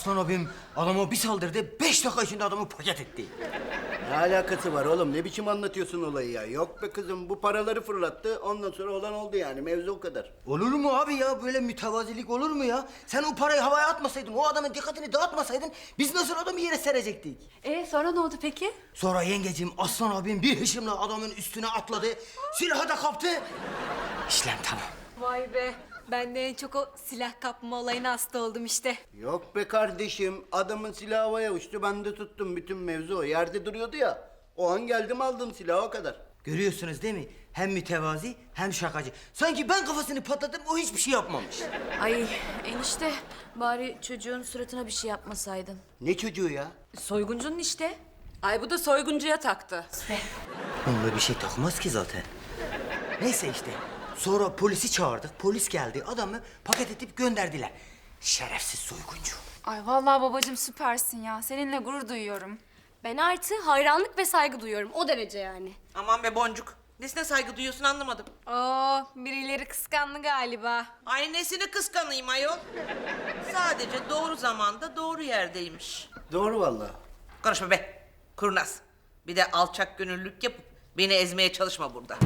Aslan abim adama bir saldırdı, 5 dakika içinde adamı paket etti. Ne alakası var oğlum? Ne biçim anlatıyorsun olayı ya? Yok be kızım, bu paraları fırlattı. Ondan sonra olan oldu yani. Mevzu o kadar. Olur mu abi ya? Böyle mütevazilik olur mu ya? Sen o parayı havaya atmasaydın, o adamın dikkatini dağıtmasaydın biz nasıl adamı yere serecektik? Sonra ne oldu peki? Sonra yengeciğim Aslan abim bir hışımla adamın üstüne atladı, silahı da kaptı. İşlem tamam. Vay be. Ben de en çok o silah kapma olayına hasta oldum işte. Yok be kardeşim. Adamın silahı havaya uçtu. Ben de tuttum. Bütün mevzu o. Yerde duruyordu ya. O an geldim aldım silahı, o kadar. Görüyorsunuz değil mi? Hem mütevazi hem şakacı. Sanki ben kafasını patladım, o hiçbir şey yapmamış. Ay enişte bari çocuğun suratına bir şey yapmasaydın. Ne çocuğu ya? Soyguncunun işte. Ay bu da soyguncuya taktı. Onunla bir şey takmaz ki zaten. Neyse işte. Sonra polisi çağırdık. Polis geldi. Adamı paket edip gönderdiler. Şerefsiz soyguncu. Ay vallahi babacığım süpersin ya. Seninle gurur duyuyorum. Ben artı hayranlık ve saygı duyuyorum. O derece yani. Aman be Boncuk. Nesine saygı duyuyorsun anlamadım. Birileri kıskandı galiba. Ay nesini kıskanayım ayol. Sadece doğru zamanda doğru yerdeymiş. Doğru vallahi. Konuşma be. Kurnaz. Bir de alçak gönüllülük yapıp beni ezmeye çalışma burada.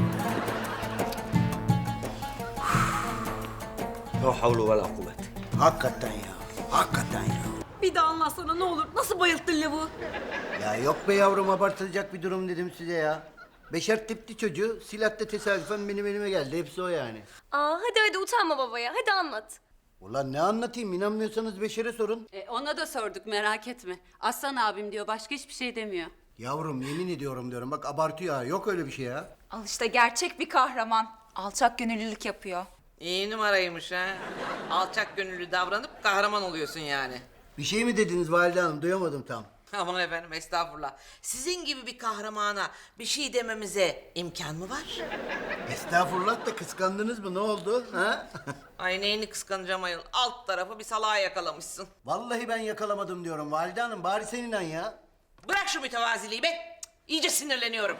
La havlu ve la kuvvet. Hakikaten ya. Hakikaten ya. Bir daha anlatsana ne olur. Nasıl bayılttın lavuğu? Ya yok be yavrum, abartılacak bir durum dedim size ya. Beşer tipli çocuğu, silah da tesadüfen benim elime geldi. Hepsi o yani. Hadi utanma babaya. Hadi anlat. Ulan ne anlatayım? İnanmıyorsanız Beşer'e sorun. Ona da sorduk merak etme. Aslan abim diyor başka hiçbir şey demiyor. Yavrum yemin ediyorum diyorum. Bak abartıyor ha. Yok öyle bir şey ya. Al işte gerçek bir kahraman. Alçak gönüllülük yapıyor. İyi numaraymış ha. Alçak gönüllü davranıp kahraman oluyorsun yani. Bir şey mi dediniz Valide Hanım? Duyamadım tam. Aman efendim estağfurullah. Sizin gibi bir kahramana bir şey dememize imkan mı var? Estağfurullah da kıskandınız mı? Ne oldu? Ha? Ay neyini kıskanacağım ayol. Alt tarafı bir salağa yakalamışsın. Vallahi ben yakalamadım diyorum Valide Hanım. Bari sen inan ya. Bırak şu mütevaziliği be. Cık, İyice sinirleniyorum.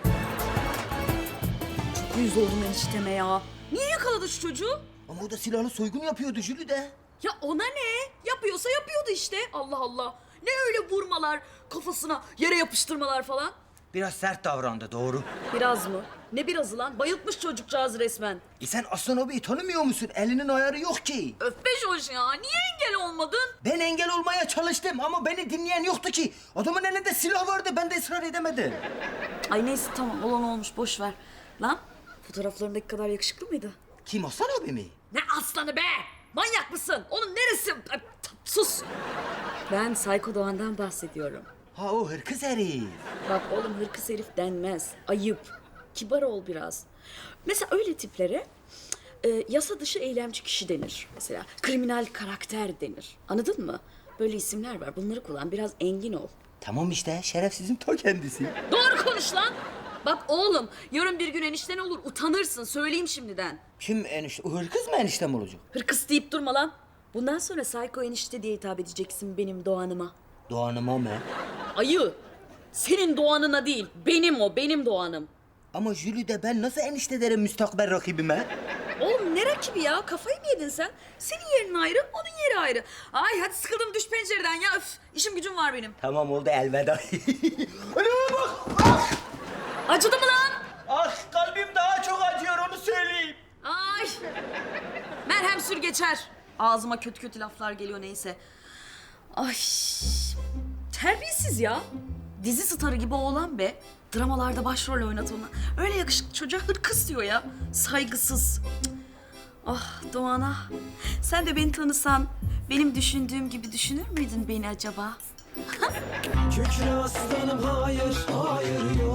Yüz oldum enişteme ya. Niye yakaladı şu çocuğu? Ama o da silahlı soygun yapıyordu Jülü de. Ya ona ne? Yapıyorsa yapıyordu işte. Allah Allah. Ne öyle vurmalar, kafasına yere yapıştırmalar falan? Biraz sert davrandı, doğru. Biraz mı? Ne birazı lan? Bayıltmış çocukcağız resmen. Sen Aslan abiyi tanımıyor musun? Elinin ayarı yok ki. Öf be Joş ya. Niye engel olmadın? Ben engel olmaya çalıştım ama beni dinleyen yoktu ki. Adamın elinde silah vardı, ben de ısrar edemedim. Ay neyse tamam olan olmuş boş ver. Lan fotoğraflarındaki kadar yakışıklı mıydı? Kim, Aslan abi mi? Ne aslanı be? Manyak mısın? Onun neresi? Ay, sus. Ben Sayko Doğan'dan bahsediyorum. Ha, o hırkız herif. Bak oğlum hırkız herif denmez. Ayıp. Kibar ol biraz. Mesela öyle tiplere yasa dışı eylemci kişi denir. Mesela kriminal karakter denir. Anladın mı? Böyle isimler var. Bunları kullan. Biraz engin ol. Tamam işte, şerefsizin ta kendisi. Doğru konuş lan. Bak oğlum yarın bir gün enişten olur. Utanırsın. Söyleyeyim şimdiden. Kim enişte? O hırkız mı eniştem olacak? Hırkız deyip durma lan. Bundan sonra Sayko enişte diye hitap edeceksin benim Doğan'ıma. Doğanıma mı? Ayı. Senin Doğan'ına değil. Benim o. Benim Doğan'ım. Ama Jülü de ben nasıl enişte derim müstakbel rakibime? Oğlum ne rakibi ya? Kafayı mı yedin sen? Senin yerin ayrı, onun yeri ayrı. Ay hadi sıkıldım düş pencereden ya. Öf, işim gücüm var benim. Tamam oldu, elveda. Önüme bak! Ah! Acıdı mı lan? Ah, kalbim daha çok acıyor, onu söyleyeyim. Ay. Merhem sür geçer. Ağzıma kötü kötü laflar geliyor neyse. Ay. Terbiyesiz ya. Dizi starı gibi oğlan be. Dramalarda başrol oynat ona. Öyle yakışıklı çocuğa hırkız diyor ya. Saygısız. Cık. Ah Doğan'a. Sen de beni tanısan benim düşündüğüm gibi düşünür müydün beni acaba? Kükre aslanım hayır, hayır yok.